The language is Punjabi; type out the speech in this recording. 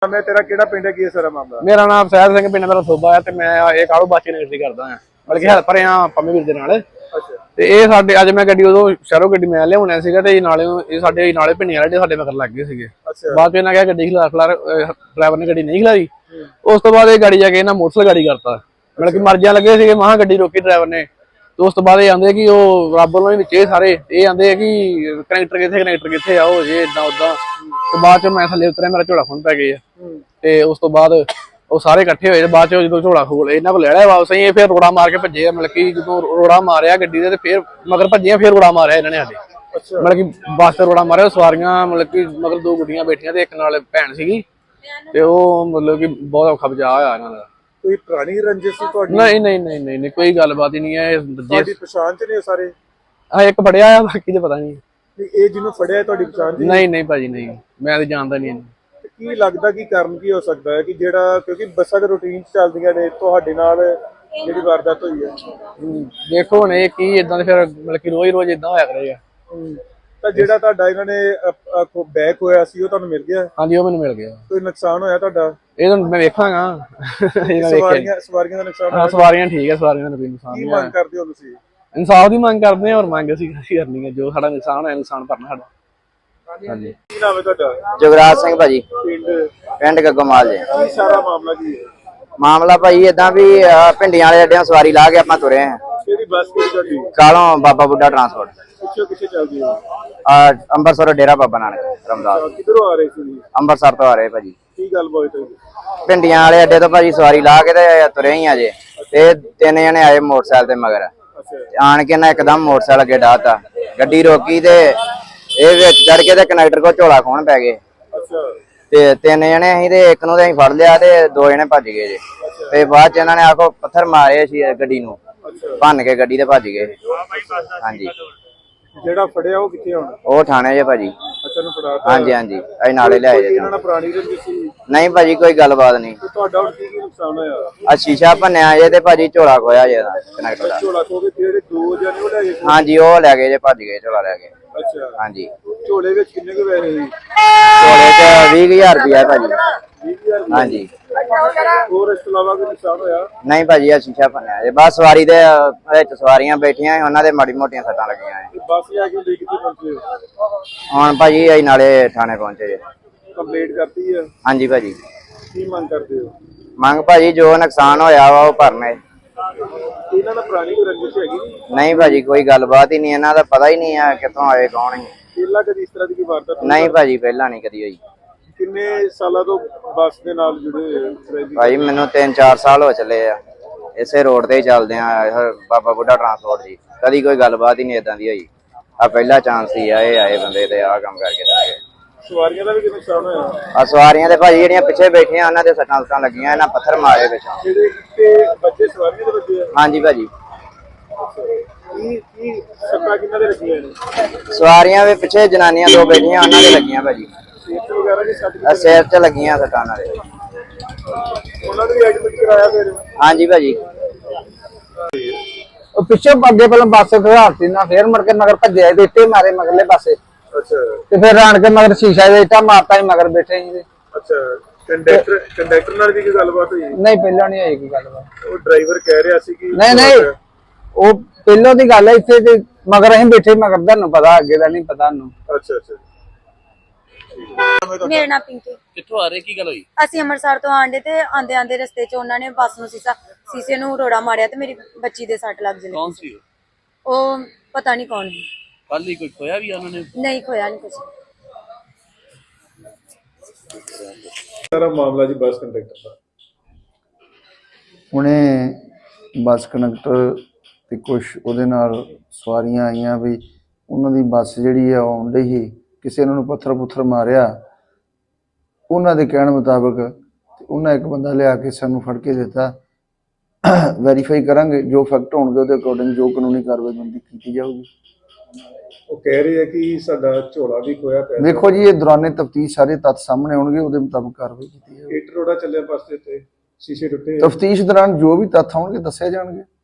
मैं तेरा केड़ा पिंड है, की है सारा मामला? मेरा नाम सैद सिंह, पिंड मेरा सोबा है ते मैं ये कालू बाची नगर दी करदा हां, बल्कि हेल्पर हां पंमी वीर दे नाल। अच्छा ते ये साडे अज मैं गड्डी उदों शहरों गड्डी मैं लियाउणा सीगा ते नाले ये साडे नाले पिंडियां वाले साडे मगर लग गए सीगे। अच्छा बाद में क्या गड्डी खिलार ड्राइवर ने गड्डी नहीं खिलाई। उस तो बाद ये गाड़ी जाके ना मोटरसाइकिल गाड़ी करता, मतलब कि मर्जियां लगे सीगे, महा गड्डी रोकी ड्राइवर ने। तो उस तो बाद ये आंदे कि वो रब वालों विच सारे ये आंदे कि कनैक्टर कित्थे आओ जे इदां उदां। तो बाद च मैं थल्ले उतरिया, मेरा झोला खुंन पै गया ते उस तो बाद ਉਹ ਸਾਰੇ ਇਕੱਠੇ ਹੋਏ। ਬਾਅਦ ਚ ਜਦੋਂ ਝੋਲਾ ਖੋਲ ਇਹਨਾਂ ਕੋਲ ਲੈ ਲਿਆ ਵਾਪਸ, ਇਹ ਫਿਰ ਰੋੜਾ ਮਾਰ ਕੇ ਭੱਜੇ। ਮਤਲਬ ਕਿ ਜਦੋਂ ਰੋੜਾ ਮਾਰਿਆ ਗੱਡੀ ਦੇ ਤੇ ਫਿਰ ਮਗਰ ਭੱਜੀਆਂ, ਫਿਰ ਰੋੜਾ ਮਾਰਿਆ ਇਹਨਾਂ ਨੇ ਸਾਡੇ। ਮਤਲਬ ਕਿ ਬੱਸ ਤੇ ਰੋੜਾ ਮਾਰਿਆ, ਸਵਾਰੀਆਂ ਮਤਲਬ ਕਿ ਮਗਰ ਦੋ ਗੁੱਡੀਆਂ ਬੈਠੀਆਂ ਤੇ ਇੱਕ ਨਾਲ ਭੈਣ ਸੀਗੀ ਤੇ ਉਹ ਮਤਲਬ ਕਿ ਬਹੁਤ ਔਖਾ ਬਚਾਅ ਹੋਇਆ ਇਹਨਾਂ ਦਾ। ਕੋਈ ਪੁਰਾਣੀ ਰੰਜਿਸ਼ ਸੀ ਤੁਹਾਡੀ? ਨਹੀਂ ਕੋਈ ਗੱਲਬਾਤ ਹੀ ਨਹੀਂ ਹੈ। ਤੁਹਾਡੀ ਪਛਾਣ ਚ ਨੇ ਸਾਰੇ? ਹਾਂ ਇੱਕ ਫੜਿਆ ਆ, ਬਾਕੀ ਤੇ ਪਤਾ ਨਹੀਂ। ਇਹ ਜਿਹਨੂੰ ਫੜਿਆ ਤੁਹਾਡੀ ਪਛਾਣ ਦੀ? ਨਹੀਂ ਭਾਜੀ ਨਹੀਂ, ਮੈਂ ਤੇ ਜਾਣਦਾ ਨਹੀਂ। ਕੀ ਲੱਗਦਾ ਕੀ ਕਾਰਨ ਕੀ ਹੋ ਸਕਦਾ ਹੈ ਕਿ ਜਿਹੜਾ, ਕਿਉਂਕਿ ਬੱਸਾਂ ਦੇ ਰੂਟੀਨ ਚੱਲਦੀਆਂ ਨੇ, ਤੁਹਾਡੇ ਨਾਲ ਜਿਹੜੀ ਵਾਰਦਾਤ ਹੋਈ ਹੈ? ਦੇਖੋ ਹੁਣ ਇਹ ਕੀ ਇਦਾਂ ਦੇ ਫਿਰ ਮਤਲਬ ਕਿ ਰੋਜ਼ ਇਦਾਂ ਹੋਇਆ ਕਰੇਗਾ। ਤਾਂ ਜਿਹੜਾ ਤੁਹਾਡਾ ਇਹਨਾਂ ਨੇ ਬੈਕ ਹੋਇਆ ਸੀ ਉਹ ਤੁਹਾਨੂੰ ਮਿਲ ਗਿਆ? ਹਾਂਜੀ ਉਹ ਮੈਨੂੰ ਮਿਲ ਗਿਆ। ਕੋਈ ਨੁਕਸਾਨ ਹੋਇਆ ਤੁਹਾਡਾ? ਇਹ ਤਾਂ ਮੈਂ ਵੇਖਾਂਗਾ। ਸਵਾਰੀਆਂ ਦਾ ਨੁਕਸਾਨ ਹੋਇਆ? ਸਵਾਰੀਆਂ ਠੀਕ ਹੈ, ਸਵਾਰੀਆਂ ਦਾ ਕੋਈ ਨੁਕਸਾਨ ਨਹੀਂ। ਨਹੀਂ। ਮੰਗ ਕਰਦੇ ਹੋ ਤੁਸੀਂ? ਇਨਸਾਫ ਦੀ ਮੰਗ ਕਰਦੇ ਹਾਂ, ਔਰ ਮੰਗ ਅਸੀਂ ਕਰਨੀ ਹੈ। ਜੋ ਸਾਡਾ ਨੁਕਸਾਨ ਹੋਇਆ, ਨੁਕਸਾਨ ਭਰਨਾ ਸਾਡਾ। ਹਾਂਜੀ। ਕੀ ਨਾਮ ਹੈ ਤੁਹਾਡਾ? ਜਗਰਾਜ ਸਿੰਘ ਭਾਜੀ, ਪਿੰਡ ਗੱਗੋਮਾਲ ਜੀ। ਕੀ ਸਾਰਾ ਮਾਮਲਾ ਕੀ ਹੈ? ਮਾਮਲਾ ਭਾਈ ਏਦਾਂ ਵੀ ਭਿੰਡੀਆਂ ਵਾਲੇ ਅੱਡਿਆਂ ਸਵਾਰੀ ਲਾ ਕੇ ਆਪਾਂ ਤੁਰੇ ਆ। ਕਿਹੜੀ ਬੱਸ ਕਿਹੜੀ ਤੁਹਾਡੀ? ਕਾਲੋਂ ਬਾਬਾ ਬੁੱਢਾ ਟਰਾਂਸਪੋਰਟ। ਪਿੱਛੇ ਕਿੱਥੇ ਚੱਲਦੀ ਹੈ? ਅੰਮ੍ਰਿਤਸਰ ਡੇਰਾ ਬਾਬਾ ਨਾਨਕ ਰਮਦਾਸ। ਕਿੱਧਰੋਂ ਆ ਰਹੇ ਸੀ? ਅੰਮ੍ਰਿਤਸਰ ਤੋਂ ਆ ਰਹੇ ਭਾਜੀ। ਕੀ ਗੱਲ ਬਾਤ ਹੋਈ? ਭਿੰਡੀਆਂ ਵਾਲੇ ਅੱਡੇ ਤੋਂ ਭਾਜੀ ਸਵਾਰੀ ਲਾ ਕੇ ਤੇ ਤੁਰੇ ਹੀ ਆ ਜੇ, ਤੇ ਤਿੰਨ ਜਣੇ ਆਏ ਮੋਟਰਸਾਈਕਲ ਤੇ ਮਗਰ। ਆਣ ਕੇ ਨਾ ਇੱਕਦਮ ਮੋਟਰਸਾਈਕਲ ਅੱਗੇ ਡਾਹਤਾ, ਗੱਡੀ ਰੋਕੀ ਤੇ ਇਹ ਵਿੱਚ ਚੜ ਕੇ ਤੇ ਕਨੈਕਟਰ ਕੋਲ ਝੋਲਾ ਖੋਣ ਪੈ ਗਏ। ਤੇ ਤਿੰਨ ਜਣੇ ਅਸੀਂ ਤੇ ਇੱਕ ਨੂੰ ਤੇ ਅਸੀਂ ਫੜ ਲਿਆ ਤੇ ਦੋ ਜਣੇ ਭੱਜ ਗਏ ਜੇ। ਤੇ ਬਾਅਦ ਚ ਇਹਨਾਂ ਨੇ ਆਖੋ ਪੱਥਰ ਮਾਰੇ ਸੀ ਗੱਡੀ ਨੂੰ, ਭੰਨ ਕੇ ਗੱਡੀ ਤੇ ਭੱਜ ਗਏ। ਹਾਂਜੀ। ਜਿਹੜਾ ਫੜਿਆ ਉਹ ਕਿੱਥੇ ਹੁਣ? ਉਹ ਥਾਣੇ ਜੇ ਭਾਜੀ। ਅੱਛਾ ਨੂੰ ਫੜਾ? ਹਾਂਜੀ ਅਸੀਂ ਨਾਲੇ ਲਿਆਏ ਜੇ। ਇਹਨਾਂ ਨਾਲ ਪੁਰਾਣੀ ਰੰਜਿਸ਼ ਸੀ? ਨਹੀਂ ਭਾਜੀ ਕੋਈ ਗੱਲਬਾਤ ਨਹੀਂ। ਤੁਹਾਡਾ ਹੁਣ ਕੀ ਨੁਕਸਾਨ ਹੋਇਆ? ਆ ਸ਼ੀਸ਼ਾ ਭੰਨਿਆ ਜੇ ਤੇ ਭਾਜੀ ਝੋਲਾ ਖੋਇਆ ਜੇ ਕਨੈਕਟਰ ਦਾ। ਝੋਲਾ ਖੋ ਕੇ ਜਿਹੜੇ ਦੋ ਜਣੇ ਉਹ ਲੈ ਗਏ? ਹਾਂਜੀ ਉਹ ਲੈ ਗਏ ਜੇ, ਭੱਜ ਗਏ ਝੋਲਾ ਲੈ ਕੇ। ਅੱਛਾ ਹਾਂਜੀ। ਝੋਲੇ ਵਿੱਚ ਕਿੰਨੇ ਕੁ ਪੈਸੇ ਸੀ? ਝੋਲੇ ਚ 20,000 ਰੁਪਇਆ ਭਾਜੀ। 20,000? ਹਾਂਜੀ। ਹੋਰ ਇਸ ਤੋਂ ਇਲਾਵਾ ਕੋਈ ਨੁਕਸਾਨ ਹੋਇਆ? ਨਹੀਂ ਭਾਜੀ ਆ ਸ਼ੀਸ਼ਾ ਭੰਨਿਆ ਜੇ। ਬਸ ਸਵਾਰੀ ਦੇ ਵਿੱਚ ਸਵਾਰੀਆਂ ਬੈਠੀਆਂ, ਉਹਨਾਂ ਦੇ ਮਾੜੀ ਮੋਟੀਆਂ ਸੱਟਾਂ ਲੱਗੀਆਂ। ਬੱਸ ਜਾ ਕੇ ਲੈ ਕਿੱਥੇ ਪਹੁੰਚੇ? ਹੁਣ ਭਾਜੀ ਅਸੀਂ ਨਾਲੇ ਥਾਣੇ ਪਹੁੰਚੇ ਜੇ। ਕੰਪਲੀਟ ਕਰਤੀ ਹੈ? ਹਾਂਜੀ ਭਾਜੀ। ਕੀ ਮੰਗ ਕਰਦੇ ਹੋ? ਮੰਗ ਭਾਜੀ ਜੋ ਨੁਕਸਾਨ ਹੋਇਆ ਵਾ ਉਹ ਭਰਨੇ। ਇਹਨਾਂ ਦਾ ਪੁਰਾਣੀ ਕੋਈ ਰੰਜਿਸ਼ ਹੈਗੀ? ਨਹੀਂ ਭਾਜੀ ਕੋਈ ਗੱਲਬਾਤ ਹੀ ਨਹੀਂ, ਇਹਨਾਂ ਦਾ ਪਤਾ ਹੀ ਨਹੀਂ ਆ ਕਿੱਥੋਂ ਆਏ ਕੌਣ ਹੀ। ਪਹਿਲਾਂ ਕਦੀ ਇਸ ਤਰ੍ਹਾਂ ਦੀ ਕੋਈ ਵਾਰਦਾਤ? ਨਹੀਂ ਭਾਜੀ ਪਹਿਲਾਂ ਨਹੀਂ ਕਦੀ ਹੋਈ। ਕਿੰਨੇ ਸਾਲਾਂ ਤੋਂ ਬੱਸ ਦੇ ਨਾਲ ਜੁੜੇ ਹੋਏ? ਭਾਜੀ ਮੈਨੂੰ 3-4 ਸਾਲ ਹੋ ਚੱਲੇ ਆ, ਇਸੇ ਰੋਡ ਤੇ ਹੀ ਚੱਲਦੇ ਆ, ਬਾਬਾ ਬੁੱਢਾ ਟਰਾਂਸਪੋਰਟ ਜੀ। ਕਦੀ ਕੋਈ ਗੱਲਬਾਤ ਹੀ ਨਹੀਂ ਏਦਾਂ ਦੀ ਹੋਈ। ਆ ਪਹਿਲਾ ਚਾਂਸ ਹੀ ਆ, ਇਹ ਆਏ ਬੰਦੇ ਤੇ ਆ ਕੰਮ ਕਰਕੇ ਜਾ ਗਏ। ਸਵਾਰੀਆਂ ਦਾ ਵੀ ਕਿੰਨਾ ਨੁਕਸਾਨ ਹੋਇਆ? ਆ ਸਵਾਰੀਆਂ ਦੇ ਭਾਜੀ ਜਿਹੜੀਆਂ ਪਿੱਛੇ ਬੈਠੀਆਂ ਉਹਨਾਂ ਦੇ ਸੱਟਾਂ ਲੱਗੀਆਂ, ਇਹਨਾਂ ਪੱਥਰ ਮਾਰੇ ਪਿੱਛੋਂ। ਜਿਹੜੇ ਇੱਥੇ ਬੱਚੇ ਸਵਾਰੀਆਂ ਦੇ ਬੱਚੇ ਆ? ਹਾਂਜੀ ਭਾਜੀ। ਕੀ ਸੱਟਾਂ ਕਿੰਨਾਂ ਦੇ ਲੱਗੀਆਂ ਨੇ? ਸਵਾਰੀਆਂ ਦੇ ਪਿੱਛੇ ਜਨਾਨੀਆਂ ਦੋ ਬੈਠੀਆਂ, ਉਹਨਾਂ ਦੇ ਲੱਗੀਆਂ ਭਾਜੀ। ਸੀਟ ਵਗੈਰਾ ਦੀ ਸੱਟ? ਸਿਰ 'ਚ ਲੱਗੀਆਂ ਸੱਟਾਂ ਉਹਨਾਂ ਦੇ। ਉਹਨਾਂ ਨੂੰ ਵੀ ਐਡਮਿਟ ਕਰਾਇਆ ਫਿਰ? ਹਾਂਜੀ ਭਾਜੀ। ਉਹ ਪਿੱਛੇ ਅੱਗੇ ਪਹਿਲਾਂ ਬੱਸ ਖੜਾਤੀ ਨਾ, ਫੇਰ ਮੁੜ ਕੇ ਮਗਰ ਭੱਜਿਆ ਤੇ ਇੱਟੇ ਮਾਰੇ ਮਗਰਲੇ ਪਾਸੇ। ਅੱਛਾ। ਤੇ ਫਿਰ ਆਣ ਕੇ ਮਗਰ ਸ਼ੀਸ਼ਾ ਦੇ ਇੱਟਾਂ ਮਾਰਤਾ ਹੀ ਮਗਰ ਬੈਠੇ ਸੀ। ਅੱਛਾ। ਕੰਡਕਟਰ ਨਾਲ ਵੀ ਕੀ ਗੱਲਬਾਤ ਹੋਈ? ਨਹੀਂ ਪਹਿਲਾਂ ਨਹੀਂ ਹੋਈ ਕੋਈ ਗੱਲਬਾਤ। ਉਹ ਡਰਾਈਵਰ ਕਹਿ ਰਿਹਾ ਸੀ ਕਿ ਨਹੀਂ ਉਹ ਪਹਿਲਾਂ ਦੀ ਗੱਲ ਹੈ। ਇੱਥੇ ਤੇ ਮਗਰ ਅਸੀਂ ਬੈਠੇ, ਮਗਰ ਤੁਹਾਨੂੰ ਪਤਾ, ਅੱਗੇ ਦਾ ਨਹੀਂ ਪਤਾ ਨੂੰ। ਅੱਛਾ ਅੱਛਾ। ਮੇਰਾ ਨਾਮ ਪਿੰਕੀ। ਕਿੱਥੋਂ ਆ ਰਹੇ, ਕੀ ਗੱਲ ਹੋਈ? ਅਸੀਂ ਅੰਮ੍ਰਿਤਸਰ ਤੋਂ ਆਂਦੇ ਤੇ ਆਂਦੇ ਰਸਤੇ 'ਚ ਉਹਨਾਂ ਨੇ ਬੱਸ ਨੂੰ ਸ਼ੀਸ਼ੇ ਨੂੰ ਰੋੜਾ ਮਾਰਿਆ ਤੇ ਮੇਰੀ ਬੱਚੀ ਦੇ ਸੱਟ ਲੱਗ ਗਈ। ਕੌਣ ਸੀ ਉਹ ਪਤਾ ਨਹੀਂ ਕੌਣ ਸੀ। ਕੱਲ ਹੀ ਕੋਈ ਖੋਇਆ ਵੀ ਉਹਨਾਂ ਨੇ? ਨਹੀਂ ਖੋਇਆ ਨਹੀਂ ਕੁਝ। ਸਾਰਾ ਮਾਮਲਾ ਜੀ ਬੱਸ ਕੰਡਕਟਰ ਦਾ। ਹੁਣੇ ਬੱਸ ਕੰਡਕਟਰ ਤੇ ਕੁਝ ਉਹਦੇ ਨਾਲ ਸਵਾਰੀਆਂ ਆਈਆਂ ਵੀ ਉਹਨਾਂ ਦੀ ਬੱਸ ਜਿਹੜੀ ਆ ਆਉਣ ਡਈ ਸੀ, ਕਿਸੇ ਨੂੰ ਪੱਥਰ ਮਾਰਿਆ। ਉਹਨਾਂ ਦੇ ਕਹਿਣ ਮੁਤਾਬਕ ਉਹਨਾਂ ਇੱਕ ਬੰਦਾ ਲਿਆ ਕੇ ਸਾਨੂੰ ਫੜ ਕੇ ਦਿੱਤਾ। ਵੈਰੀਫਾਈ ਕਰਾਂਗੇ, ਜੋ ਫੈਕਟ ਹੋਣਗੇ ਉਹਦੇ ਅਕੋਰਡਿੰਗ ਜੋ ਕਾਨੂੰਨੀ ਕਾਰਵਾਈ ਬੰਦੀ ਕੀਤੀ ਜਾਊਗੀ। ਉਹ ਕਹਿ ਰਹੇ ਆ ਕਿ ਸਾਡਾ ਝੋਲਾ ਵੀ ਖੋਇਆ ਪਿਆ। ਦੇਖੋ ਜੀ ਇਹ ਦੌਰਾਨੇ ਤਫਤੀਸ਼ ਸਾਰੇ ਤੱਥ ਸਾਹਮਣੇ ਆਉਣਗੇ, ਉਹਦੇ ਮੁਤਾਬਕ ਕਾਰਵਾਈ ਕੀਤੀ ਜਾਊਗੀ। ਇੱਟ ਰੋੜਾ ਚੱਲਿਆ ਬੱਸ ਦੇ ਉੱਤੇ, ਸ਼ੀਸ਼ੇ ਟੁੱਟੇ। ਤਫਤੀਸ਼ ਦੌਰਾਨ ਜੋ ਵੀ ਤੱਥ ਆਉਣਗੇ ਦੱਸੇ ਜਾਣਗੇ।